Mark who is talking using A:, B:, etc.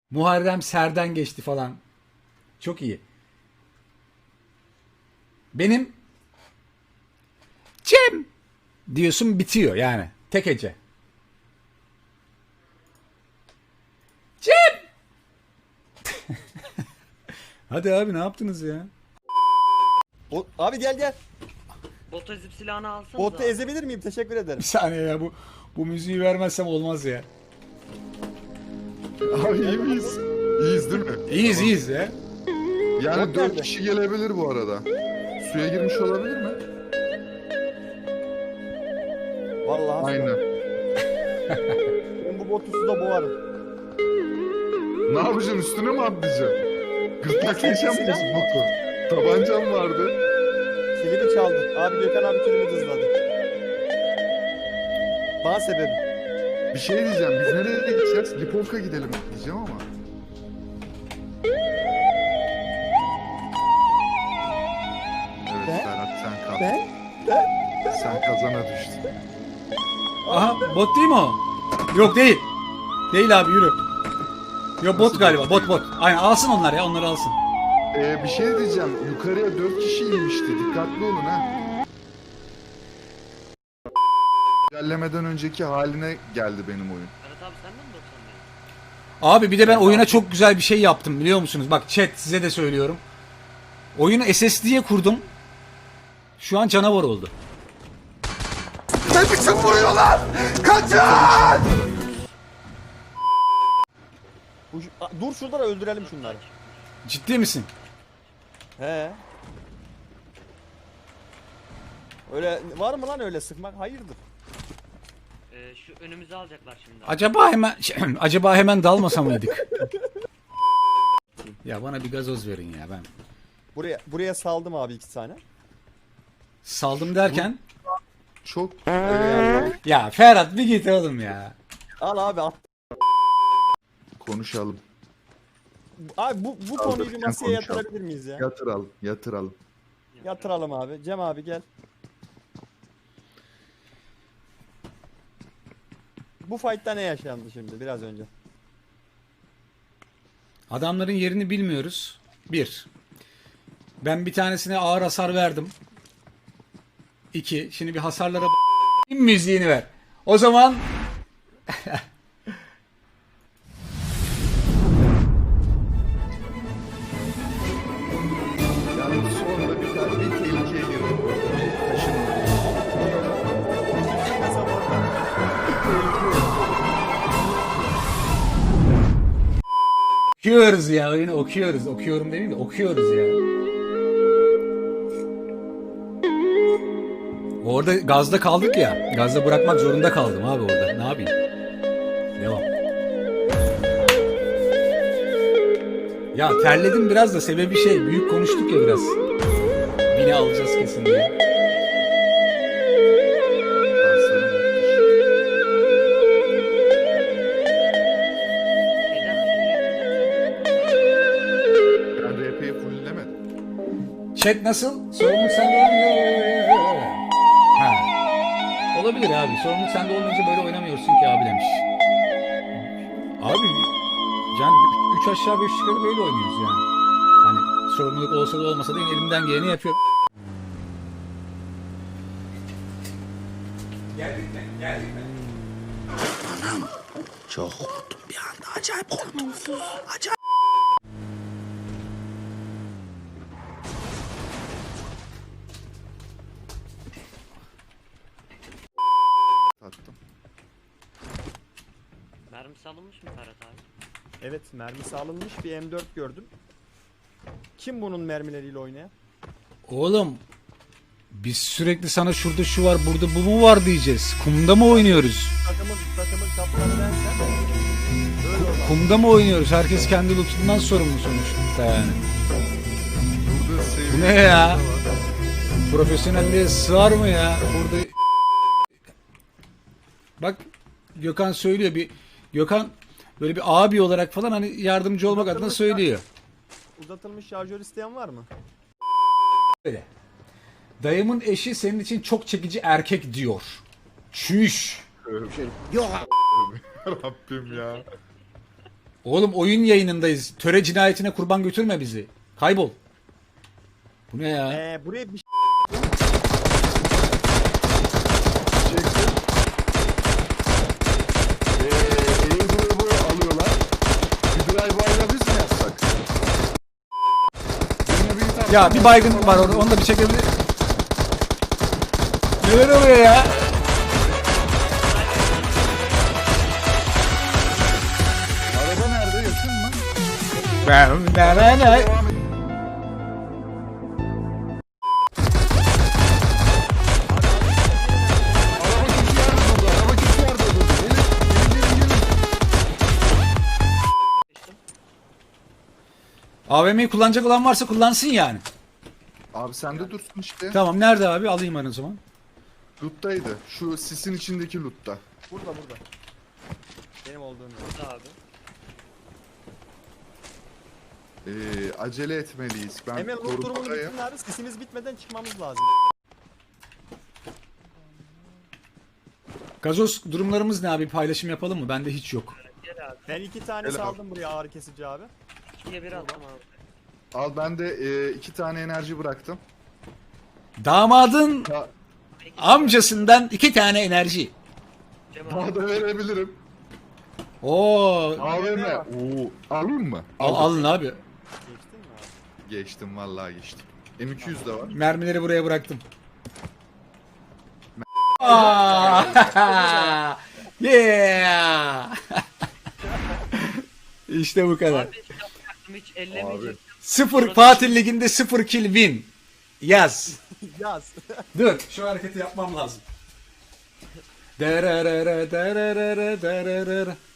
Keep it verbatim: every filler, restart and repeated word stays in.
A: Muharrem Ser'den geçti falan. Çok iyi. Benim Cem diyorsun bitiyor yani. Tek hece. Cem. Hadi abi ne yaptınız ya?
B: O, abi gel gel.
C: Bot ezip silahını alsanız
B: Botu
C: abi.
B: ezebilir miyim? Teşekkür ederim.
A: Bir saniye ya bu bu müziği vermezsem olmaz ya.
D: Abi iyi miyiz? İyiyiz değil mi?
A: İyiyiz
D: Tamam.
A: iyiyiz ya.
D: Yani
B: Bot
D: dört
B: nerede?
D: kişi gelebilir bu arada. Suya girmiş olabilir mi?
B: Vallahi.
D: Aynen.
B: Ben bu botu suda boğarım.
D: Ne yapacaksın, üstüne mi atlayacaksın? Gırtlaklayacağım mı
B: Silah.
D: botu? Tabancam vardı.
B: Kilimi çaldın. Abi Gökhan abi kilimi dızladı. Bana sebebi.
D: Bir şey diyeceğim, biz nereye gideceğiz? Lipovka gidelim diyeceğim ama. Evet
B: Ben?
D: Ferhat, sen kal.
B: Ben?
D: Sen kazana düştün.
A: Aha bot değil mi o? Yok değil. Değil abi yürü. Yok bot
D: Nasıl
A: galiba
D: bot
A: bot
D: değil?
A: bot. Aynen alsın onlar ya onları alsın.
D: Ee, bir şey diyeceğim, yukarıya dört kişi inmişti. Dikkatli olun ha. İlerlemeden önceki haline geldi benim oyun.
C: Ferhat abi sen de mi doksandaydın?
A: Abi bir de ben oyuna çok güzel bir şey yaptım biliyor musunuz? Bak chat size de söylüyorum. Oyunu S S D'ye kurdum. Şu an canavar oldu.
D: Ne biçim vuruyorlar? Kaçın!
B: Bu, A, dur şurada da öldürelim şunları.
A: Ciddi misin?
B: He. Öyle var mı lan öyle sıkmak? Hayırdır?
C: Ee, şu önümüzü alacaklar şimdi.
A: Acaba hemen acaba hemen dalmasa mıydık? Ya bana bir gazoz verin ya ben.
B: Buraya buraya saldım abi iki tane.
A: Saldım derken
D: Çok
A: ya Ferhat bir git oğlum ya.
B: Al abi at.
D: konuşalım.
B: Abi bu bu konuyu bir
D: Kaldırırken
B: masaya
D: konuşalım.
B: yatırabilir miyiz ya?
D: Yatıralım, yatıralım.
B: Yatıralım abi. Cem abi gel. Bu fight'ta ne yaşandı şimdi biraz önce?
A: Adamların yerini bilmiyoruz. Bir. Ben bir tanesine ağır hasar verdim. İki. Şimdi bir hasarlara b- müziğini ver. O zaman
D: Yani sonra bir tane bir tehlikeye girdim. Bir taşınma.
A: okuyoruz ya oyunu okuyoruz. Okuyorum demeyeyim de okuyoruz ya. Orada gazda kaldık ya. Gazda bırakmak zorunda kaldım abi orada. Ne yapayım? Devam. Ya terledim biraz da sebebi şey. Büyük konuştuk ya biraz. Bini alacağız kesin diye.
D: Danslarım müthiş. Ben R P'yi fulllemedim.
A: Chat nasıl? Sorumluluk sende olmuyor. Ha. Olabilir abi. Sorumluluk sende olmayınca böyle oynamıyorsun ki abi demiş. Abi yani üç aşağı beş yukarı böyle oynuyoruz yani. Hani sorumluluk olsa da olmasa da yine elimden geleni yapıyorum. Geldik mi? Geldik mi?
E: Çok korktum bir anda. Acayip korktum. Acayip.
D: Tattım.
C: Mermisi alınmış mı Ferhat abi?
B: Evet mermisi alınmış bir M dört gördüm. Kim bunun mermileriyle oynayan?
A: Oğlum biz sürekli sana şurada şu var burada bu mu var diyeceğiz. Kumda mı oynuyoruz?
B: Takımın takımın kaptanı bensen. Böyle olmaz.
A: Kumda mı oynuyoruz? Herkes kendi lootundan sorumlu sonuçta yani.
D: Burada seviye
A: Bu ne ya? Profesyonelliğe sığar mı ya? Burada bak Gökhan söylüyor bir Gökhan böyle bir abi olarak falan hani yardımcı olmak adına söylüyor.
B: Uzatılmış şarjör isteyen var mı?
A: Öyle. Dayımın eşi senin için çok çekici erkek diyor. Çüş.
D: Rabbim ya.
A: Oğlum oyun yayınındayız. Töre cinayetine kurban götürme bizi. Kaybol. Bu ne ya?
B: Ee, buraya bir
D: Çektim. Eee airdrop'u alıyorlar. Bir drive-by'la biz mi yapsak? Benimle bir tane-
A: Ya bir baygın var orada. Onu da bir çekebilir. Neler oluyor ya?
D: Araba nerede? Yakın mı?
A: Ben ne ne ne?
D: Devam et. Araba kötü yerde durdu. Araba kötü yerde durdu. Gelin, gelin, gelin, gelin.
A: A V M'yi kullanacak olan varsa kullansın yani.
D: Abi sende dursun işte.
A: Tamam nerede abi? Alayım ben o zaman.
D: Loot'taydı. Şu sisin içindeki loot'ta.
B: burada burada. Benim olduğum yer.
C: Burada abi.
D: Ee, acele etmeliyiz. Ben
B: Hemen loot durumunu
D: korudayım.
B: bitirin abi. Sesimiz bitmeden çıkmamız lazım.
A: Gazoz durumlarımız ne abi? Paylaşım yapalım mı? Bende hiç yok.
C: Gel abi.
B: Ben iki tane
D: Gel abi.
B: saldım buraya ağrı kesici abi.
C: İkiye bir attım abi.
D: Al ben de e, iki tane enerji bıraktım.
A: Damadın
D: Ya,
A: amcasından iki tane enerji.
C: Cem abi.
D: daha da verebilirim.
A: Oo,
D: A V M. Oo, alayım mı?
A: al, alın abi.
B: Geçtin mi abi?
D: Geçtim vallahi geçtim. M iki yüz de var.
A: Mermileri buraya bıraktım. Aa, yeah. İşte bu kadar.
C: Abi hiç yapacaktım, hiç ellemeyecektim.
A: Sıfır Fatih Ligi'nde sıfır kill win. Yaz.
B: Yaz.
A: Dur şu hareketi yapmam lazım. Dererere dererere dererere.